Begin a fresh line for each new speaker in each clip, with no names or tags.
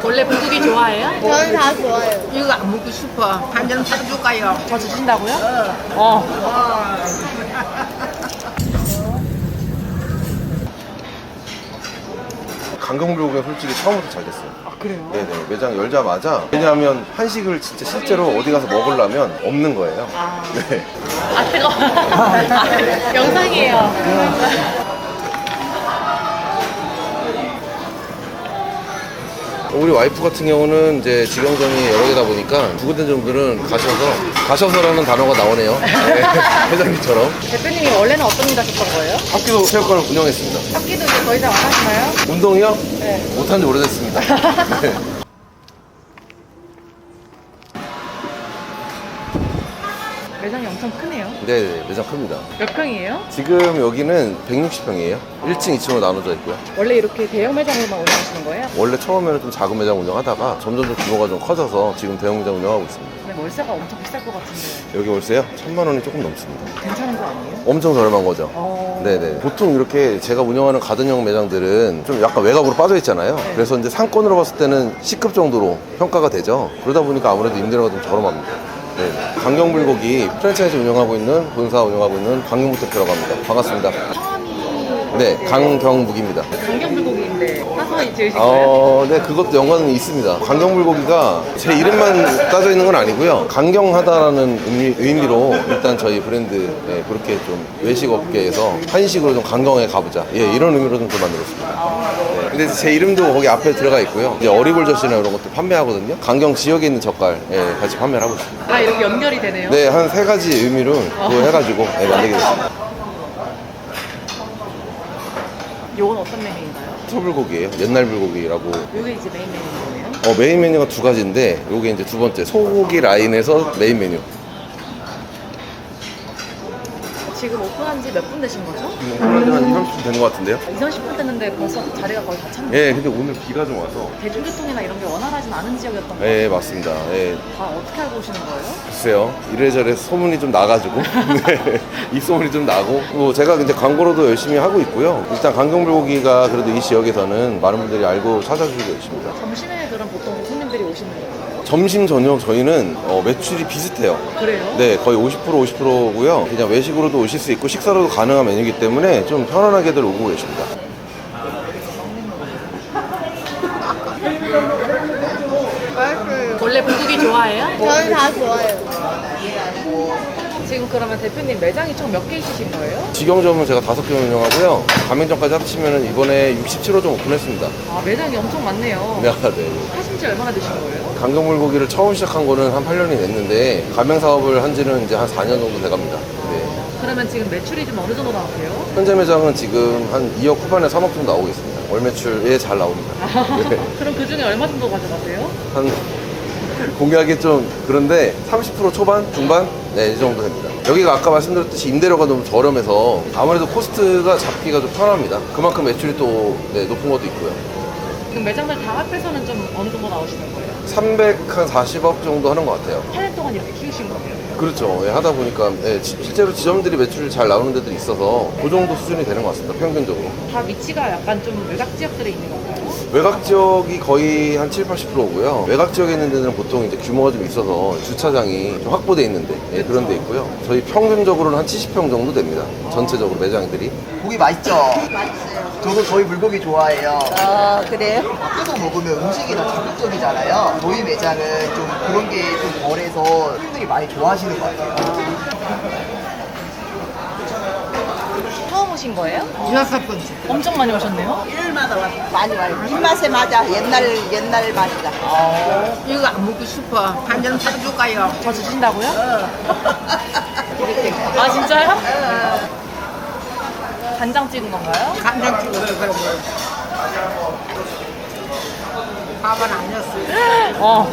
원래 불고기 좋아해요?
저는 다 좋아요.
이거 안 먹고 싶어. 한 잔 사줄까요?
더 주신다고요?
강경불고기가 솔직히 처음부터 잘 됐어요.
아, 그래요?
네네. 매장 열자마자. 왜냐하면 한식을 진짜 실제로 어디 가서 먹으려면 없는 거예요.
아,
네.
아 뜨거워. 영상이에요.
우리 와이프 같은 경우는 이제 직영점이 여러 개다 보니까 두 군데 정도는 가셔서라는 단어가 나오네요. 네. 회장님처럼.
대표님이 원래는 어떤 일 하셨던 거예요?
학교 체육관을 운영했습니다.
학기도 이제 더 이상 안 하시나요?
운동이요?
네.
못한 지 오래됐습니다. 네.
매장이 엄청 크네요.
네, 매장 큽니다.
몇 평이에요?
지금 여기는 160평이에요. 1층, 2층으로 나눠져 있고요.
원래 이렇게 대형 매장으로만 운영하시는 거예요?
원래 처음에는 좀 작은 매장 운영하다가 점점 규모가 좀 커져서 지금 대형 매장 운영하고 있습니다.
근데 월세가 엄청 비쌀 것 같은데
여기 월세요? 1,000만 원이 조금 넘습니다.
괜찮은 거 아니에요?
엄청 저렴한 거죠. 네네. 보통 이렇게 제가 운영하는 가든형 매장들은 좀 약간 외곽으로 빠져 있잖아요.
네.
그래서 이제 상권으로 봤을 때는 C급 정도로 평가가 되죠. 그러다 보니까 아무래도 임대료가 좀 저렴합니다. 네. 강경불고기 프랜차이즈 운영하고 있는 본사 운영하고 있는 강경무대표라고 합니다. 반갑습니다. 네, 강경묵입니다.
강경불고기인데 사서 지으신 거예요?
네, 그것도 연관은 있습니다. 강경불고기가 제 이름만 따져 있는 건 아니고요. 강경하다라는 의미로 일단 저희 브랜드 그렇게 좀 외식 업계에서 한식으로 좀 강경하게 가보자. 예, 이런 의미로 좀 만들었습니다. 네, 근데 제 이름도 거기 앞에 들어가 있고요. 이제 어리굴젓이나 이런 것도 판매하거든요. 강경 지역에 있는 젓갈 같이 판매를 하고 있습니다.
아, 이렇게 연결이 되네요?
네, 한 3가지 의미로 그거 해가지고 만들게 됐습니다.
요건 어떤 메뉴인가요?
소불고기예요. 옛날 불고기라고.
요게 이제 메인 메뉴인 거예요?
메인 메뉴가 2가지인데 요게 이제 두 번째 소고기 라인에서 메인 메뉴.
지금 오픈한 지 몇 분 되신 거죠?
한 2, 30분 되는 것 같은데요?
2, 30분 됐는데 벌써 자리가 거의 다 찼네요.
예, 근데 오늘 비가 좀 와서.
대중교통이나 이런 게 원활하진 않은 지역이었던 거예요?
예, 맞습니다. 예,
다 어떻게 알고 오시는 거예요?
글쎄요. 이래저래 소문이 좀 나가지고. 네, 입소문이 좀 나고. 뭐 제가 이제 광고로도 열심히 하고 있고요. 일단 강경불고기가 그래도 이 지역에서는 많은 분들이 알고 찾아주고 계십니다.
점심에 그럼 보통 손님들이 오시는 거예요?
점심, 저녁 저희는 매출이 비슷해요.
그래요?
네, 거의 50%고요. 그냥 외식으로도 오실 수 있고 식사로도 가능한 메뉴이기 때문에 좀 편안하게들 오고 계십니다.
원래 불고기 좋아해요?
저는 다 좋아요.
지금 그러면 대표님 매장이 총 몇 개 있으신 거예요?
직영점은 제가 5개 운영하고요. 가맹점까지 합치면 이번에 67호점 오픈했습니다.
아, 매장이 엄청 많네요.
네, 네.
하신 지 얼마나 되신 거예요?
강경불고기를 처음 시작한 거는 한 8년이 됐는데 가맹 사업을 한 지는 이제 한 4년 정도 돼갑니다. 네.
그러면 지금 매출이 좀 어느 정도 나오세요?
현재 매장은 지금 한 2억 후반에 3억 정도 나오고 있습니다. 월 매출에 잘 나옵니다. 네.
그럼 그 중에 얼마 정도 가져가세요?
한 공개하기 좀 그런데 30% 초반, 중반? 네, 이 정도 됩니다. 여기가 아까 말씀드렸듯이 임대료가 너무 저렴해서 아무래도 코스트가 잡기가 좀 편합니다. 그만큼 매출이 또 높은 것도 있고요.
그럼 매장들 다 합해서는 좀 어느 정도 나오시는 거예요?
340억 정도 하는 것 같아요.
8년 동안 이렇게 키우신 거예요?
그렇죠. 예, 하다 보니까 실제로 지점들이 매출이 잘 나오는 데들이 있어서 그 정도 수준이 되는 것 같습니다. 평균적으로.
다 위치가 약간 좀 외곽 지역들에 있는 건가요?
외곽 지역이 거의 한 7, 80%고요. 외곽 지역에 있는 데는 보통 이제 규모가 좀 있어서 주차장이 좀 확보되어 있는데 그런 데 있고요. 저희 평균적으로는 한 70평 정도 됩니다. 전체적으로 매장들이.
고기 맛있죠?
맛있어요.
저도 저희 불고기 좋아해요.
아, 그래요?
밖에서 먹으면 음식이 더 자극적이잖아요. 저희 매장은 좀 그런 게 좀 덜해서 손님들이 많이 좋아하시는 것 같아요.
처음 오신 거예요?
6번째.
엄청 많이 오셨네요?
일마다 와서 많이 와요. 입맛에 맞아. 옛날 맛이다.
이거 안 먹고 싶어. 한 잔 사줄까요?
더 주신다고요? 아, 진짜요? 간장 찍은 건가요?
간장 찍어서 그러고. 밥은 아니었어요.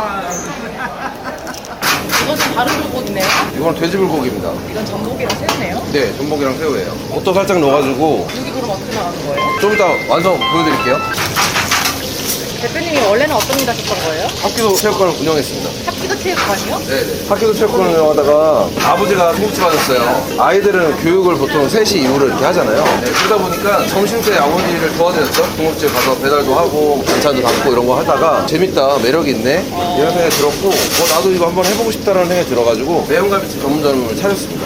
이건 좀 다른 불고기네요?
이건 돼지불고기입니다.
이건 전복이랑 새우네요?
네, 전복이랑 새우예요. 옷도 살짝 넣어가지고
여기 그럼 어떻게 나가는 거예요?
좀 이따 완성 보여드릴게요.
대표님이 원래는 어떤 일 하셨던 거예요?
학교도 체육관을 운영했습니다.
합기도 체육관이요?
네네. 학교도 체육관을 운영하다가 아버지가 중국집 하셨어요. 아이들은 교육을 보통 3시 이후로 이렇게 하잖아요. 네, 그러다 보니까 점심때 아버지를 도와드렸죠. 중국집 가서 배달도 하고 반찬도 담고 이런 거 하다가 재밌다, 매력이 있네 이런 생각이 들었고 나도 이거 한번 해보고 싶다는 생각이 들어가지고 매운갈비집 전문점을 차렸습니다.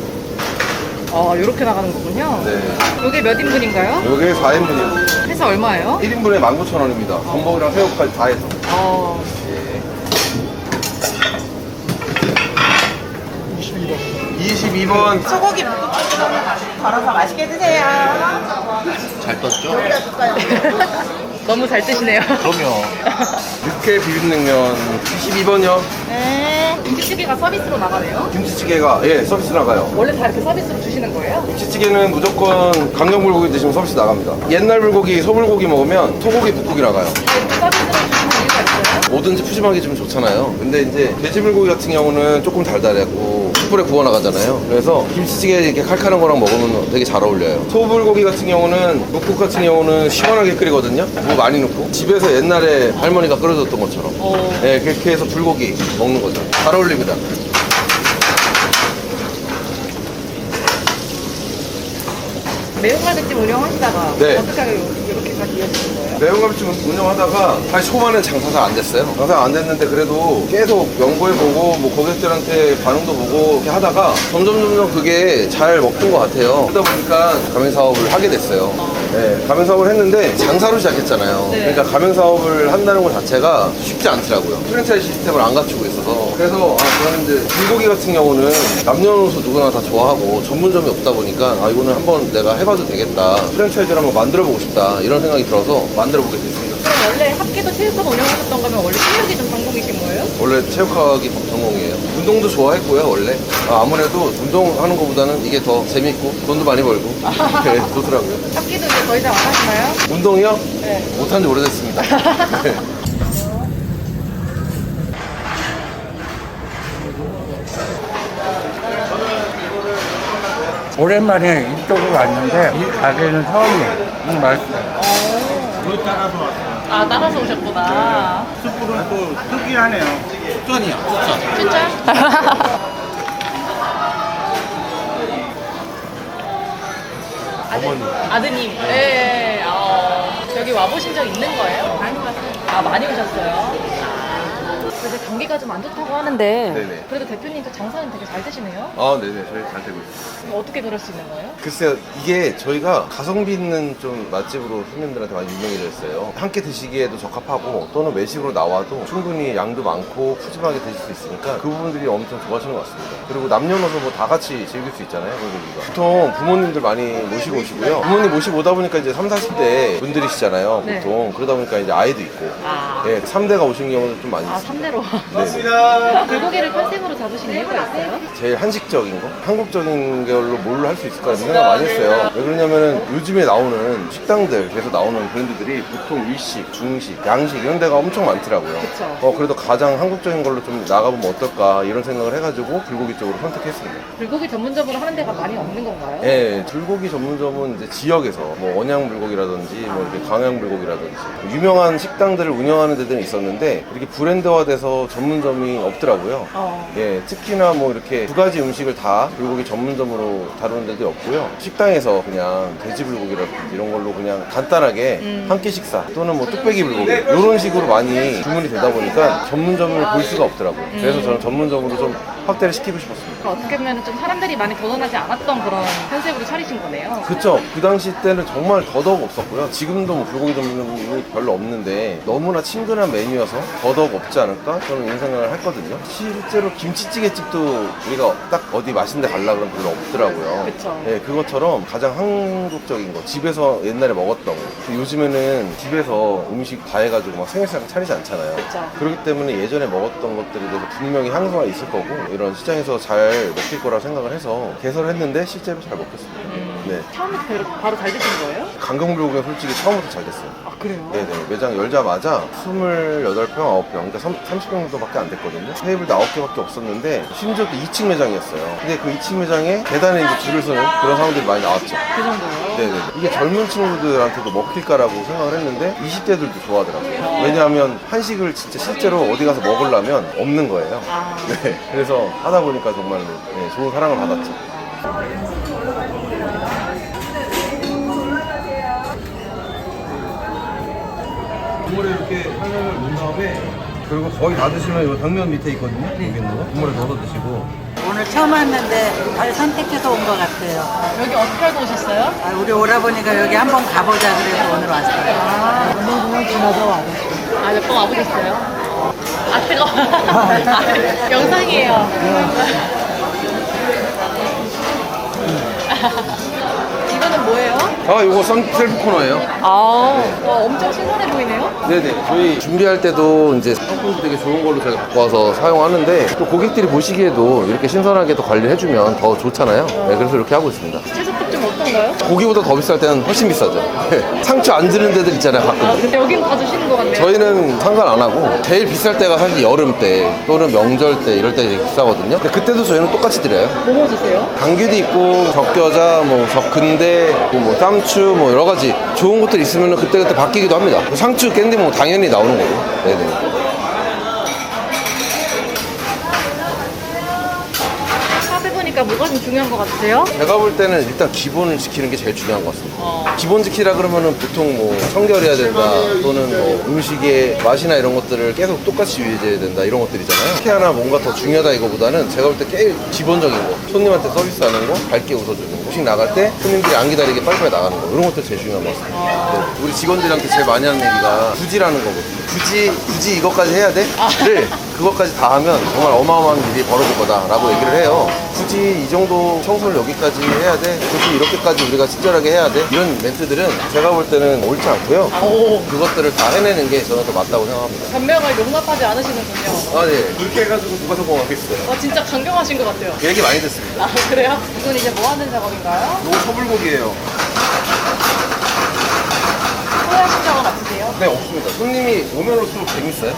이렇게 나가는 거군요.
네.
이게 몇 인분인가요?
요게 4인분이고
해서 얼마예요?
1인분에 19,000원입니다. 전복이랑 새우까지 다 해서. 예. 22번.
소고기 묵국수는 걸어서 맛있게 드세요.
잘 떴죠?
너무 잘 드시네요.
그럼요.
육회 비빔냉면 22번이요.
네.
김치찌개가 서비스로 나가네요.
김치찌개가 서비스 나가요.
원래 다 이렇게 서비스로 주시는 거예요?
김치찌개는 무조건 강정 불고기 드시면 서비스 나갑니다. 옛날 불고기, 소불고기 먹으면 소고기 묵국이 나가요.
이렇게 서비스로 주시는 이유가 있어요?
뭐든지 푸짐하게 주면 좋잖아요. 근데 이제 돼지 불고기 같은 경우는 조금 달달하고 숯불에 구워 나가잖아요. 그래서 김치찌개 이렇게 칼칼한 거랑 먹으면 되게 잘 어울려요. 소불고기 같은 경우는 묵국 같은 경우는 시원하게 끓이거든요. 무 많이 넣고 집에서 옛날에 할머니가 끓여줬던 것처럼 네, 그렇게 해서 불고기 먹는 거죠. 잘 어울립니다.
매운갈비집 운영하시다가
네.
어떻게 이렇게까지 이어지신 거예요?
매운갈비집 운영하다가 사실 초반엔 장사 잘 안 됐어요. 장사 안 됐는데 그래도 계속 연구해보고 뭐 고객들한테 반응도 보고 이렇게 하다가 점점 그게 잘 먹힌 것 같아요. 그러다 보니까 가맹 사업을 하게 됐어요. 네, 가맹 사업을 했는데 장사로 시작했잖아요.
네.
그러니까 가맹 사업을 한다는 것 자체가 쉽지 않더라고요. 프랜차이즈 시스템을 안 갖추고 있어서. 그래서 저는 이제 불고기 같은 경우는 남녀노소 누구나 다 좋아하고 전문점이 없다 보니까 이거는 한번 내가 해봐도 되겠다. 프랜차이즈를 한번 만들어보고 싶다. 이런 생각이 들어서 만들어보게 됐습니다.
그럼 원래 합기도 체육관 운영하셨던 거면 원래 체육이 좀 전공이신 거예요?
원래 체육학이 전공이에요. 운동도 좋아했고요, 원래. 아무래도 운동하는 것보다는 이게 더 재밌고 돈도 많이 벌고 네, 좋더라고요.
합기도 이제 더 이상 안 하시나요?
운동이요?
네.
못한 지 오래됐습니다. 네.
오랜만에 이쪽으로 왔는데 이 가게는 처음이에요. 맛있어요.
아, 따라서 오셨구나.
숯불은 또 특이하네요.
진짜? 아드님. 네. 여기 와보신 적 있는 거예요? 많이 왔어요. 많이 오셨어요? 그래서 경기가 좀 안 좋다고 하는데
네네.
그래도 대표님도 장사는 되게 잘 되시네요?
네네. 저희 잘 되고 있어요.
어떻게 그럴 수 있는 거예요?
글쎄요, 이게 저희가 가성비 있는 좀 맛집으로 손님들한테 많이 유명해졌어요. 함께 드시기에도 적합하고 또는 외식으로 나와도 충분히 양도 많고 푸짐하게 드실 수 있으니까 그 부분들이 엄청 좋아하시는 것 같습니다. 그리고 남녀노소 뭐 다 같이 즐길 수 있잖아요, 불고기가. 보통 부모님들 많이 모시고 오시고요. 부모님 모시고 오다 보니까 이제 3, 40대 분들이시잖아요,
네.
보통. 그러다 보니까 이제 아이도 있고. 예, 3대가 오신 경우도 좀 많이 있어요.
3대로.
네.
불고기를 컨셉으로 잡으신 이유가 있어요?
제일 한식적인 거? 한국적인 걸로 뭘로 할 수 있을까 이런 생각 많이 했어요. 왜 그러냐면은 요즘에 나오는 식당들, 계속 나오는 브랜드들이 보통 일식, 중식, 양식 이런 데가 엄청 많더라고요.
그쵸.
그래도 가장 한국적인 걸로 좀 나가보면 어떨까 이런 생각을 해가지고 불고기 쪽으로 선택했습니다.
불고기 전문점으로 하는 데가 많이 없는 건가요?
예, 불고기 전문점은 이제 지역에서 뭐 원양 불고기라든지 뭐 이렇게 광양 불고기라든지 유명한 식당들을 운영하는 데들은 있었는데 이렇게 브랜드화돼서 전문점이 없더라고요. 예, 특히나 뭐 이렇게 두 가지 음식을 다 불고기 전문점으로 다루는 데도 없고요. 식당에서 그냥 돼지 불고기라든지 이런 걸로 그냥 간단하게 한 끼 식사 또는 뭐 뚝배기 불고기 이런 식으로 많이 주문이 되다 보니까 전문점을 볼 수가 없더라고요. 그래서 저는 전문점으로 좀 확대를 시키고 싶었습니다.
그러니까 어떻게 보면 좀 사람들이 많이 도전하지 않았던 그런 컨셉으로 차리신 거네요.
그쵸. 그 당시 때는 정말 더더욱 없었고요. 지금도 뭐 불고기 전문점이 별로 없는데 너무나 친근한 메뉴여서 더더욱 없지 않을까? 저는 이런 생각을 했거든요. 실제로 김치찌개 집도 우리가 딱 어디 맛있는 데 가려고 그러면 별로 없더라고요.
그쵸.
네, 그것처럼 가장 한국적인 거, 집에서 옛날에 먹었던 거. 요즘에는 집에서 음식 다 해가지고 막 생일상 차리지 않잖아요.
그쵸.
그렇기 때문에 예전에 먹었던 것들에 대해서 분명히 향수가 있을 거고 이런 시장에서 잘 먹힐 거라 생각을 해서 개설을 했는데 실제로 잘 먹혔습니다. 네.
처음부터 바로 잘 드신 거예요?
강경불고기는 솔직히 처음부터 잘 됐어요.
아, 그래요?
네네. 매장 열자마자 28평, 9평, 그러니까 30평 정도밖에 안 됐거든요. 테이블도 9개밖에 없었는데, 심지어 또 2층 매장이었어요. 근데 그 2층 매장에 계단에 이제 줄을 서는 그런 상황들이 많이 나왔죠.
그 정도요?
네네. 이게 젊은 친구들한테도 먹힐까라고 생각을 했는데, 20대들도 좋아하더라고요. 왜냐하면 한식을 진짜 실제로 어디 가서 먹으려면 없는 거예요. 네. 그래서 하다 보니까 정말 네, 좋은 사랑을 받았죠. 국물에 이렇게 향을 넣은 다음에 그리고 거의 다 드시면 이 당면 밑에 있거든요. 여기 있는 거 국물에 넣어서 드시고.
오늘 처음 왔는데 잘 선택해서 온 것 같아요.
여기 어떻게 알고 오셨어요?
아, 우리 오라버니가 여기 한번 가보자 그래서 오늘 왔어요.
운동공원 지나서 와요.
아, 몇 번 와보셨어요? 아, 뜨거워. 아, 영상이에요. 이거는 뭐예요?
아, 이거 셀프 코너예요.
아, 와, 엄청 신선해 보이네요?
네네. 저희 준비할 때도 이제 상품도 되게 좋은 걸로 저희가 갖고 와서 사용하는데 또 고객들이 보시기에도 이렇게 신선하게 또 관리를 해주면 더 좋잖아요. 네, 그래서 이렇게 하고 있습니다.
채소값 좀 어떤가요?
고기보다 더 비쌀 때는 훨씬 비싸죠. 네. 상추 안 드는 데들 있잖아요, 가끔.
아, 근데 여긴 다 주시는 것 같네요.
저희는 상관 안 하고 제일 비쌀 때가 사실 여름 때 또는 명절 때 이럴 때 되게 비싸거든요. 근데 그때도 저희는 똑같이 드려요.
뭐 주세요?
당귀도 있고 적겨자, 뭐 적근대, 뭐 쌈추, 뭐 여러 가지 좋은 것들 있으면 그때그때 바뀌기도 합니다. 상추, 깻잎 뭐 당연히 나오는 거고. 네네.
샵 해보니까 뭐가 좀 중요한 것 같으세요?
제가 볼 때는 일단 기본을 지키는 게 제일 중요한 것 같습니다. 기본 지키라 그러면은 보통 뭐 청결해야 된다 또는 뭐 음식의 맛이나 이런 것들을 계속 똑같이 유지해야 된다 이런 것들이잖아요. 특히 하나 뭔가 더 중요하다 이거보다는 제가 볼 때 제일 기본적인 거 손님한테 서비스하는 거 밝게 웃어주는 거 음식 나갈 때 손님들이 안 기다리게 빨리빨리 나가는 거 이런 것들 제일 중요한 것 같습니다. 네. 우리 직원들한테 제일 많이 하는 얘기가 굳이라는 거거든요. 굳이 이것까지 해야 돼? 를 그것까지 다 하면 정말 어마어마한 일이 벌어질 거다라고 얘기를 해요. 굳이 이 정도 청소를 여기까지 해야 돼? 굳이 이렇게까지 우리가 친절하게 해야 돼? 이런 멘트들은 제가 볼 때는 옳지 않고요. 그것들을 다 해내는 게 저는 더 맞다고 생각합니다.
변명을 용납하지 않으시는군요.
아, 네. 그렇게 해가지고 누가 성공하겠어요?
와, 진짜 강경하신 것 같아요.
그 얘기 많이 듣습니다.
아, 그래요? 이건 이제 뭐 하는 작업인가요?
이거 소불고기예요.
후회하신 적은 없으세요?
네, 없습니다. 손님이 오면 올수록 재밌어요.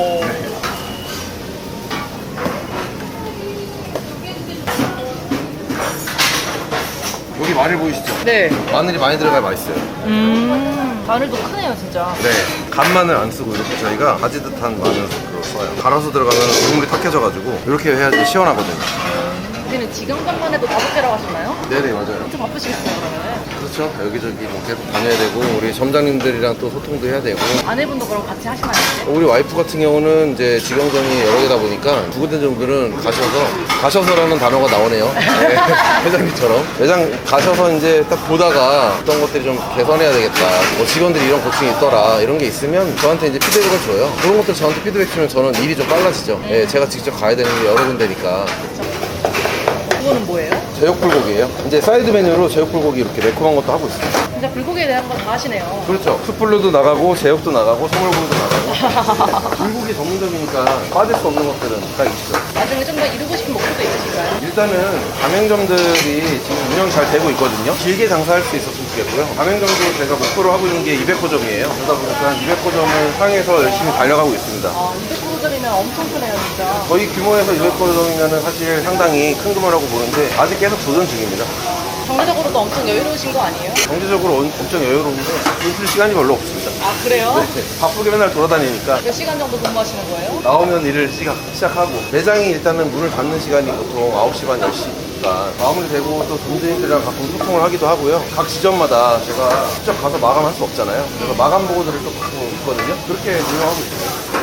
여기 마늘 보이시죠?
네.
마늘이 많이 들어가야 맛있어요.
마늘도 크네요, 진짜.
네, 간마늘 안 쓰고 이렇게 저희가 가지 듯한 마늘을 써요. 갈아서 들어가면 국물이 탁해져가지고 이렇게 해야지 시원하거든요.
여기는 지금 간만 해도 5개라고 하셨나요?
네네, 맞아요.
엄청 바쁘시겠어요, 그러면.
그렇죠. 여기저기 뭐 계속 다녀야 되고 우리 점장님들이랑 또 소통도 해야 되고.
아내분도 그럼 같이 하시나요?
우리 와이프 같은 경우는 이제 직영점이 여러 개다 보니까 두 군데 정도는 가셔서라는 단어가 나오네요. 네, 회장님처럼. 매장 가셔서 이제 딱 보다가 어떤 것들이 좀 개선해야 되겠다. 뭐 직원들이 이런 고충이 있더라. 이런 게 있으면 저한테 이제 피드백을 줘요. 그런 것들 저한테 피드백 주면 저는 일이 좀 빨라지죠. 네, 제가 직접 가야 되는 게 여러 군데니까.
그거는 뭐예요?
제육불고기예요. 이제 사이드 메뉴로 제육불고기 이렇게 매콤한 것도 하고 있어요.
진짜 불고기에 대한 건 다 하시네요.
그렇죠. 숯불로도 나가고 제육도 나가고 소물구이도 나가고 불고기 전문점이니까 빠질 수 없는 것들은 딱 있죠.
나중에 좀 더 이루고 싶은 목표도 있으실까요?
일단은 가맹점들이 지금 운영 잘 되고 있거든요. 길게 장사할 수 있었으면 좋겠고요. 가맹점도 제가 목표로 하고 있는 게 200호점이에요. 그러다 보니까 200호점을 향해서 열심히 달려가고 있습니다.
200호점이면 엄청 크네요, 진짜.
저희 규모에서 200호점이면 사실 상당히 큰 규모라고 보는데 아직 계속 도전 중입니다.
경제적으로도 엄청 여유로우신 거 아니에요?
경제적으로 엄청 여유로운데 있을 시간이 별로 없습니다.
아, 그래요?
네, 바쁘게 맨날 돌아다니니까
몇 시간 정도 근무하시는 거예요?
나오면 일을 시작하고 매장이 일단은 문을 닫는 시간이 보통 9시 반 10시니까 마무리되고 또 점주님들이랑 가끔 소통을 하기도 하고요. 각 지점마다 제가 직접 가서 마감할 수 없잖아요. 그래서 마감 보고들을 또 받고 있거든요. 그렇게 운영하고 있어요.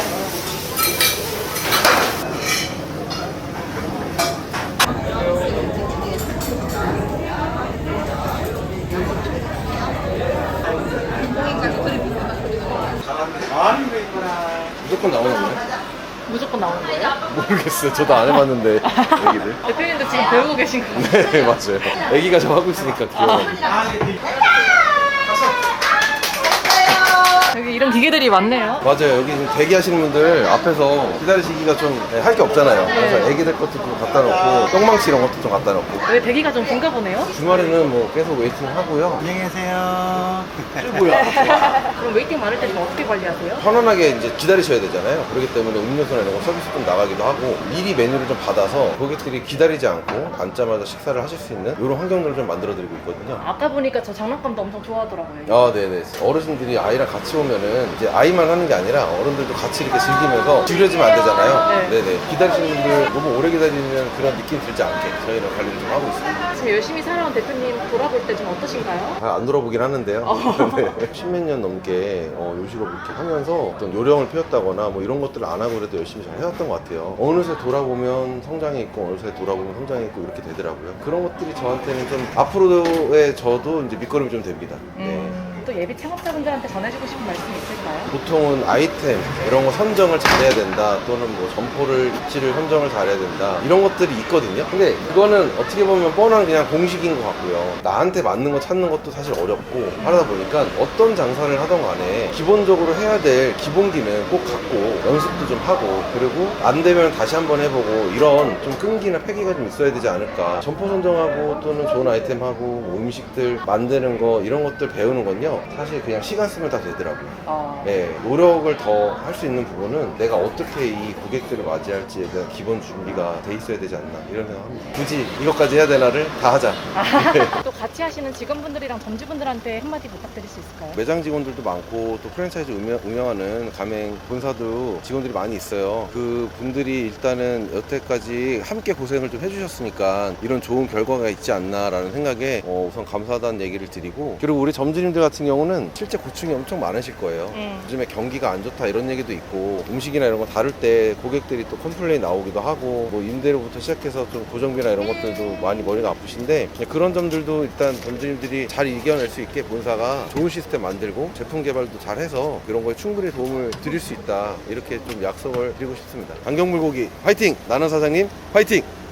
무조건 나오나 보네.
무조건 나오는 거예요?
모르겠어요. 저도 안 해봤는데 애기들.
대표님도 지금 배우고 계신 거예요?
네, 맞아요. 애기가 저 하고 있으니까 귀여워.
여기 이름 기계들이 많네요.
맞아요. 여기 지금 대기하시는 분들 앞에서 기다리시기가 좀 할 게 없잖아요. 그래서 애기들 것도 좀 갖다 놓고 똥망치 이런 것도 좀 갖다 놓고
왜 대기가 좀 긴가 보네요?
주말에는 뭐 계속 웨이팅 하고요.
안녕히 계세요.
그럼 웨이팅 많을 때 좀 어떻게 관리하세요?
편안하게 이제 기다리셔야 되잖아요. 그렇기 때문에 음료수나 이런 거 서비스 좀 나가기도 하고 미리 메뉴를 좀 받아서 고객들이 기다리지 않고 앉자마자 식사를 하실 수 있는 이런 환경들을 좀 만들어드리고 있거든요.
아까 보니까 저 장난감도 엄청 좋아하더라고요.
아, 네네. 어르신들이 아이랑 같이 오면은 이제 아이만 하는 게 아니라 어른들도 같이 이렇게 즐기면서 지루해지면 안 되잖아요.
네.
네네. 기다리시는 분들 너무 오래 기다리는 그런 느낌 들지 않게 저희는 관리를 좀 하고 있습니다.
지금 열심히 살아온 대표님 돌아볼 때 좀 어떠신가요?
안 돌아보긴 하는데요. 네. 10몇 년 넘게 요식업 이렇게 하면서 어떤 요령을 피웠다거나 뭐 이런 것들을 안 하고 그래도 열심히 잘 해왔던 것 같아요. 어느새 돌아보면 성장이 있고 어느새 돌아보면 성장이 있고 이렇게 되더라고요. 그런 것들이 저한테는 좀 앞으로의 저도 이제 밑거름이 좀 됩니다. 네.
또 예비 창업자분들한테 전해주고 싶은 말씀이 있을까요?
보통은 아이템 이런 거 선정을 잘해야 된다 또는 뭐 점포를 위치를 선정을 잘해야 된다 이런 것들이 있거든요. 근데 그거는 어떻게 보면 뻔한 그냥 공식인 것 같고요. 나한테 맞는 거 찾는 것도 사실 어렵고 하다 보니까 어떤 장사를 하던 간에 기본적으로 해야 될 기본기는 꼭 갖고 연습도 좀 하고 그리고 안 되면 다시 한번 해보고 이런 좀 끈기나 패기가 좀 있어야 되지 않을까. 점포 선정하고 또는 좋은 아이템하고 뭐 음식들 만드는 거 이런 것들 배우는 건요 사실 그냥 시간 쓰면 다 되더라고요. 네, 노력을 더 할 수 있는 부분은 내가 어떻게 이 고객들을 맞이할지에 대한 기본 준비가 돼 있어야 되지 않나 이런 생각합니다. 굳이 이것까지 해야 되나를 다 하자.
또 같이 하시는 직원분들이랑 점주분들한테 한마디 부탁드릴 수 있을까요?
매장 직원들도 많고 또 프랜차이즈 운영하는 가맹 본사도 직원들이 많이 있어요. 그 분들이 일단은 여태까지 함께 고생을 좀 해주셨으니까 이런 좋은 결과가 있지 않나라는 생각에 우선 감사하다는 얘기를 드리고 그리고 우리 점주님들 같은 경우는 실제 고충이 엄청 많으실 거예요. 요즘에 경기가 안 좋다 이런 얘기도 있고 음식이나 이런 거 다룰 때 고객들이 또 컴플레인 나오기도 하고 뭐 임대료부터 시작해서 좀 고정비나 이런 것들도 많이 머리가 아프신데 그런 점들도 일단 점주님들이 잘 이겨낼 수 있게 본사가 좋은 시스템 만들고 제품 개발도 잘 해서 그런 거에 충분히 도움을 드릴 수 있다 이렇게 좀 약속을 드리고 싶습니다. 안경물고기 화이팅! 나는 사장님 화이팅!